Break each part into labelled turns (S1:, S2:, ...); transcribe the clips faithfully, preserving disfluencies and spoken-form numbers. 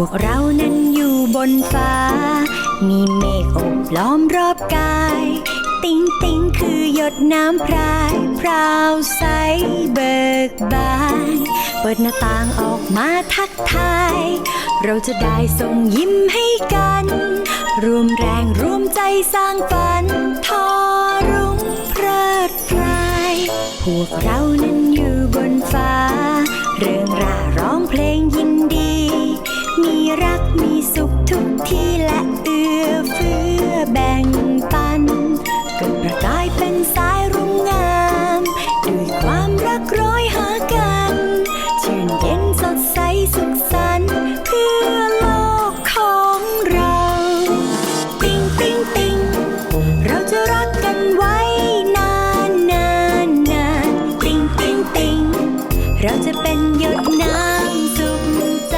S1: วกเรานั้นอยู่บนฟ้ามีเมฆโอบล้อมรอบกายติ๊งติ๊งคือหยดน้ำพรายพราวใสเบิกบานเปิดหน้าต่างออกมาทักทายเราจะได้ส่งยิ้มให้กันรวมแรงรวมใจสร้างฝันทอรุ่งเพลิดเพลายพวกเรานั้นอยู่บนฟ้าเรื่องร่าร้องเพลงยินดีมีรักมีสุขทุกที่และเอื้อเฟื้อแบ่งปันเกิดประกายเป็นสายรุ่งงามด้วยความรักร้อยหากันชื่นเย็นสดใสสุขสันต์เพื่อโลกของเราติ๊งติ๊งติ๊งเราจะรักกันไว้นานนานนานติ๊งติ๊งติ๊งเราจะเป็นหยดน้ำสุขใจ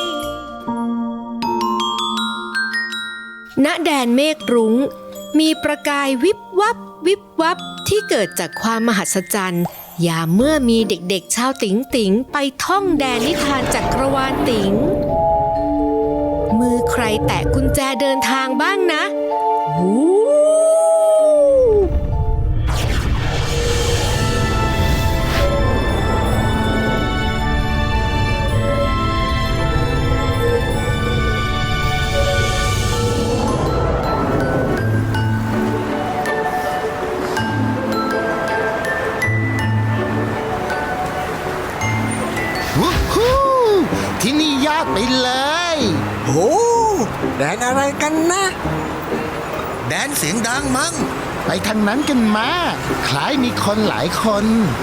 S2: ณแดนเมฆรุ้งมีประกายวิบวับวิบวับที่เกิดจากความมหัศจรรย์ยามเมื่อมีเด็กๆชาวติ๋งติ๋งไปท่องแดนนิทานจักรวาลติ๋งมือใครแตะกุญแจเดินทางบ้างนะวู้
S3: ที่นี่ยากไปเลย
S4: โอ้แดนอะไรกันนะ
S3: แดนเสียงดังมั้งไปทางนั้นกันมาคล้ายมีคนหลายคน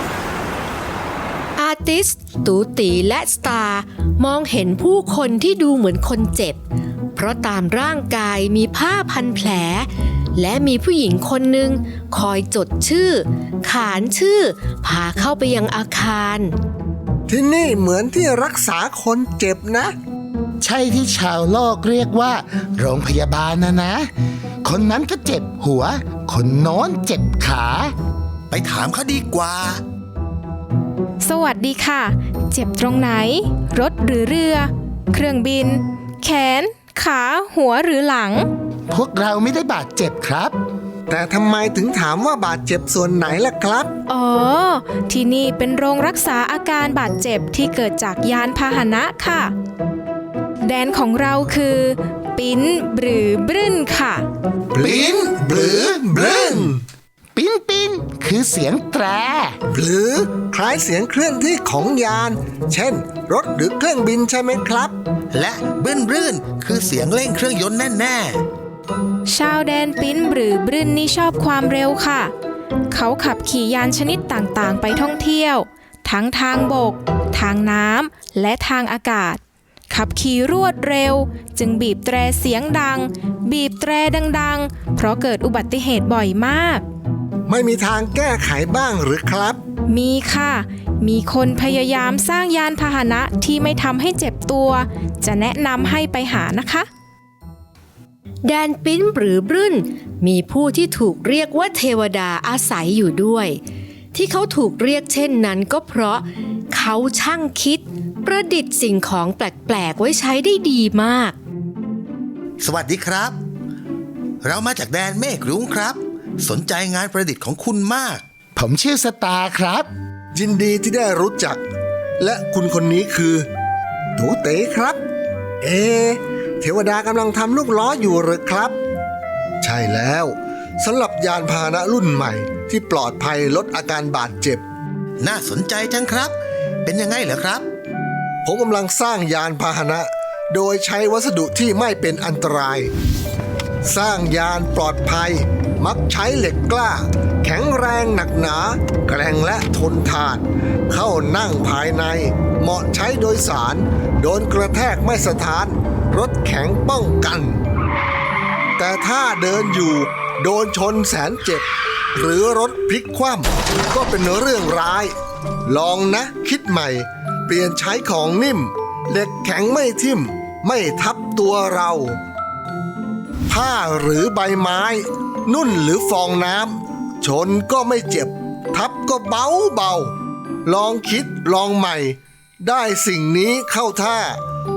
S2: อาร์ติสตูตีและสตาร์มองเห็นผู้คนที่ดูเหมือนคนเจ็บเพราะตามร่างกายมีผ้าพันแผลและมีผู้หญิงคนหนึ่งคอยจดชื่อขานชื่อพาเข้าไปยังอาคาร
S4: ที่นี่เหมือนที่รักษาคนเจ็บนะ
S3: ใช่ที่ชาวโลกเรียกว่าโรงพยาบาลนะนะคนนั้นก็เจ็บหัวคนโน้นเจ็บขาไปถามเขาดีกว่า
S5: สวัสดีค่ะเจ็บตรงไหนรถหรือเรือเครื่องบินแขนขาหัวหรือหลัง
S3: พวกเราไม่ได้บาดเจ็บครับ
S4: แต่ทำไมถึงถามว่าบาดเจ็บส่วนไหนล่ะครับ
S5: อ๋อที่นี่เป็นโรงรักษาอาการบาดเจ็บที่เกิดจากยานพาหนะค่ะแดนของเราคือปิ้นหรือบรึ้นค่ะ
S4: ปิ้นหรือบรึ้น
S3: ปิ้นปิ้นคือเสียงแตร
S4: หรือคล้ายเสียงเคลื่อนที่ของยานเช่นรถหรือเครื่องบินใช่ไหมครับ
S3: และบึ้นรื่นคือเสียงเร่งเครื่องยนต์แน่
S5: ชาวแดนปิ้นหรือบรึ้นนี่ชอบความเร็วค่ะเขาขับขี่ยานชนิดต่างๆไปท่องเที่ยวทั้งทางบกทางน้ำและทางอากาศขับขี่รวดเร็วจึงบีบแตรเสียงดังบีบแตรดังๆเพราะเกิดอุบัติเหตุบ่อยมาก
S4: ไม่มีทางแก้ไขบ้างหรือครับ
S5: มีค่ะมีคนพยายามสร้างยานพาหนะที่ไม่ทำให้เจ็บตัวจะแนะนำให้ไปหานะคะ
S2: แดนปิ้นหรือบรึ้นมีผู้ที่ถูกเรียกว่าเทวดาอาศัยอยู่ด้วยที่เขาถูกเรียกเช่นนั้นก็เพราะเขาช่างคิดประดิษฐ์สิ่งของแปลกๆไว้ใช้ได้ดีมาก
S3: สวัสดีครับเรามาจากแดนเมฆรุ้งครับสนใจงานประดิษฐ์ของคุณมากผมชื่อสตาร์ครับ
S4: ยินดีที่ได้รู้จักและคุณคนนี้คือตูเต๋ครับเอเทวดากำลังทำลูกล้ออยู่หรือครับใช่แล้วสำหรับยานพาหนะรุ่นใหม่ที่ปลอดภัยลดอาการบาดเจ็บ
S3: น่าสนใจจังครับเป็นยังไงเหรอครับ
S4: ผมกำลังสร้างยานพาหนะโดยใช้วัสดุที่ไม่เป็นอันตรายสร้างยานปลอดภัยมักใช้เหล็กกล้าแข็งแรงหนักหนาแกร่งและทนทานเข้านั่งภายในเหมาะใช้โดยสารโดนกระแทกไม่สะท้านรถแข็งป้องกันแต่ถ้าเดินอยู่โดนชนแสนเจ็บหรือรถพลิกคว่ำก็เป็นเรื่องร้ายลองนะคิดใหม่เปลี่ยนใช้ของนิ่มเหล็กแข็งไม่ทิ่มไม่ทับตัวเราผ้าหรือใบไม้นุ่นหรือฟองน้ำชนก็ไม่เจ็บทับก็เบาเบาลองคิดลองใหม่ได้สิ่งนี้เข้าท่า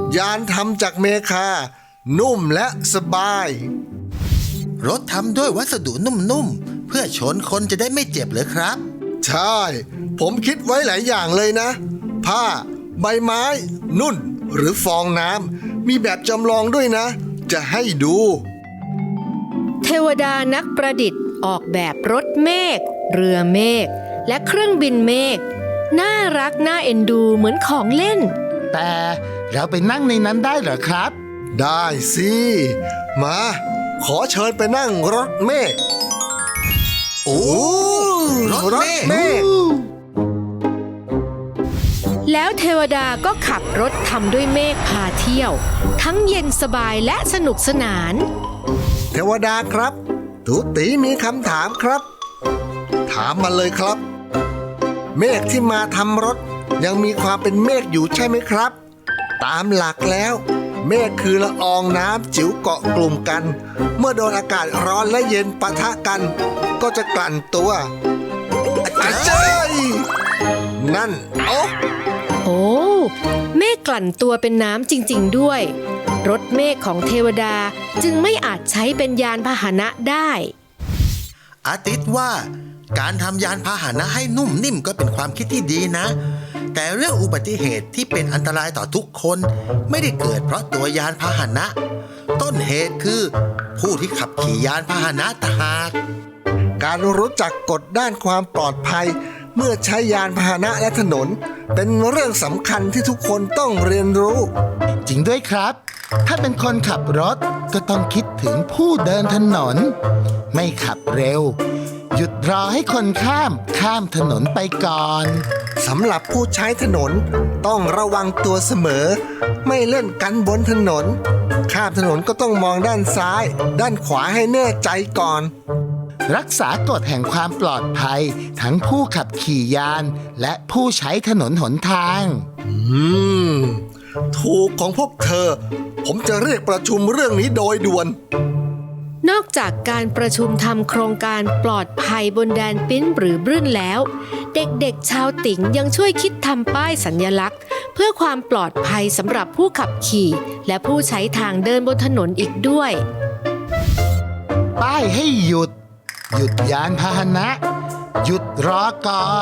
S4: ยานทำจากเมคา นุ่มและสบาย
S3: รถทำด้วยวัสดุนุ่มๆเพื่อชนคนจะได้ไม่เจ็บเลยครับ
S4: ใช่ ผมคิดไว้หลายอย่างเลยนะ ผ้า ใบไม้ นุ่น หรือฟองน้ำมีแบบจำลองด้วยนะ จะให้ดู
S2: เทวดานักประดิษฐ์ออกแบบรถเมฆเรือเมฆและเครื่องบินเมฆน่ารักน่าเอ็นดูเหมือนของเล่น
S3: แต่เราไปนั่งในนั้นได้เหรอครับ
S4: ได้สิ มา ขอเชิญไปนั่งรถเมฆ
S3: โอ้ รถเมฆ
S4: เมฆ
S2: แล้วเทวดาก็ขับรถทำด้วยเมฆพาเที่ยว ทั้งเย็นสบายและสนุกสนาน
S4: เทวดาครับตูตีมีคำถามครับ ถามมาเลยครับ เมฆที่มาทำรถยังมีความเป็นเมฆอยู่ใช่ไหมครับ ตามหลักแล้ว เมฆคือละอองน้ำจิ๋วเกาะกลุ่มกัน เมื่อโดนอากาศร้อนและเย็นปะทะกัน ก็จะกลั่นตัวอาจารย์นั่นโอ้
S2: โอ้ เมฆกลั่นตัวเป็นน้ำจริงๆด้วย รถเมฆของเทวดาจึงไม่อาจใช้เป็นยานพาหนะได้
S6: อาทิตย์ว่าการทำยานพาหนะให้นุ่มนิ่มก็เป็นความคิดที่ดีนะ แต่เรื่องอุบัติเหตุที่เป็นอันตรายต่อทุกคนไม่ได้เกิดเพราะตัวยานพาหนะ ต้นเหตุคือผู้ที่ขับขี่ยานพาหนะต่างหาก
S4: การรู้จักกฎด้านความปลอดภัย เมื่อใช้ยานพาหนะและถนน เป็นเรื่องสำคัญที่ทุกคนต้องเรียนรู้
S3: จริงด้วยครับ ถ้าเป็นคนขับรถก็ต้องคิดถึงผู้เดินถนน ไม่ขับเร็ว หยุดรอให้คนข้ามข้ามถนนไปก่อน
S4: สำหรับผู้ใช้ถนนต้องระวังตัวเสมอ ไม่เล่นกันบนถนน ข้ามถนนก็ต้องมองด้านซ้าย ด้านขวาให้แน่ใจก่อน
S3: รักษากฎแห่งความปลอดภัย ทั้งผู้ขับขี่ยาน และผู้ใช้ถนนหนทาง
S4: อืม ถูกของพวกเธอ ผมจะเรียกประชุมเรื่องนี้โดยด่วน
S2: นอกจากการประชุมทำโครงการปลอดภัยบนแดนปิ้นหรือบรื่นแล้ว เด็กๆชาวติ๋งยังช่วยคิดทำป้ายสัญลักษณ์ เพื่อความปลอดภัยสำหรับผู้ขับขี่และผู้ใช้ทางเดินบนถนนอีกด้วย
S3: ป้ายให้หยุด หยุดยานพาหนะ หยุดรอก่อน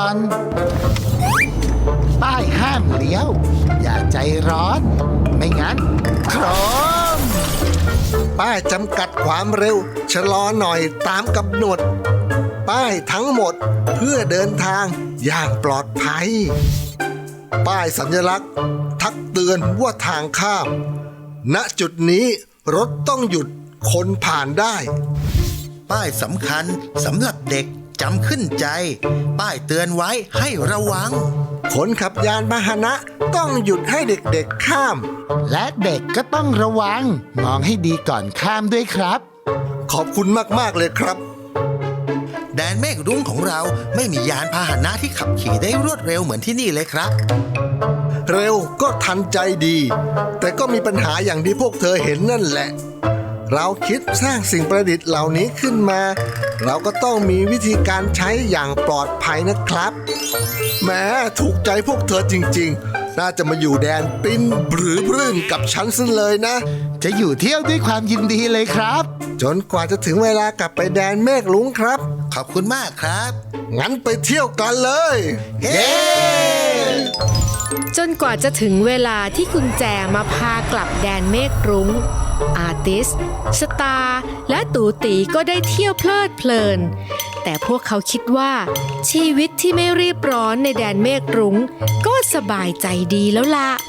S3: ป้ายห้ามเลี้ยว อย่าใจร้อน ไม่งั้นโครม
S4: ป้ายจำกัดความเร็ว ชะลอหน่อยตามกำหนด ป้ายทั้งหมดเพื่อเดินทางอย่างปลอดภัย ป้ายสัญลักษณ์ ทักเตือนว่าทางข้าม ณจุดนี้รถต้องหยุดคนผ่านได้
S6: ป้ายสำคัญสำหรับเด็กจำขึ้นใจ ป้ายเตือนไว้ให้ระวัง
S4: คนขับยานพาหนะต้องหยุดให้เด็กๆข้าม
S3: และเด็กก็ต้องระวัง มองให้ดีก่อนข้ามด้วยครับ
S4: ขอบคุณมากๆเลยครับ
S6: แดนเมฆรุ้งของเราไม่มียานพาหนะที่ขับขี่ได้รวดเร็วเหมือนที่นี่เลยครับ
S4: เร็วก็ทันใจดี แต่ก็มีปัญหาอย่างที่พวกเธอเห็นนั่นแหละ เราคิดสร้างสิ่งประดิษฐ์เหล่านี้ขึ้นมา เราก็ต้องมีวิธีการใช้อย่างปลอดภัยนะครับแหม้ถูกใจพวกเธอจริงๆ น่าจะมาอยู่แดนปิ้นหรือรื่นกับฉันซะเลยนะ
S3: จะอยู่เที่ยวด้วยความยินดีเลยครับ
S4: จนกว่าจะถึงเวลากลับไปแดนเมฆลุงครับ
S6: ขอบคุณมากครับ
S4: งั้นไปเที่ยวกันเลย
S6: เย้
S2: จนกว่าจะถึงเวลาที่กุญแจมาพากลับแดนเมฆรุ้ง อาร์ติส สตาร์ และตูตีก็ได้เที่ยวเพลิดเพลิน แต่พวกเขาคิดว่าชีวิตที่ไม่รีบร้อนในแดนเมฆรุ้งก็สบายใจดีแล้วล่ะ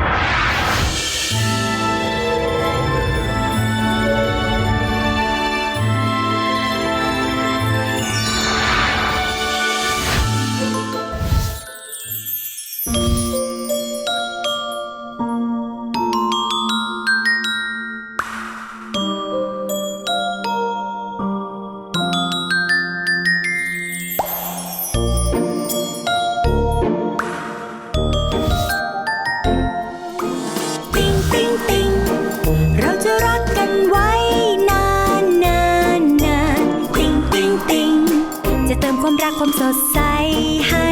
S1: ติ๊งติ๊งติ๊งเราจะรักกันไว้นานนานนานติ๊งติ๊งติ๊งจะเติมความรักความสดใสให้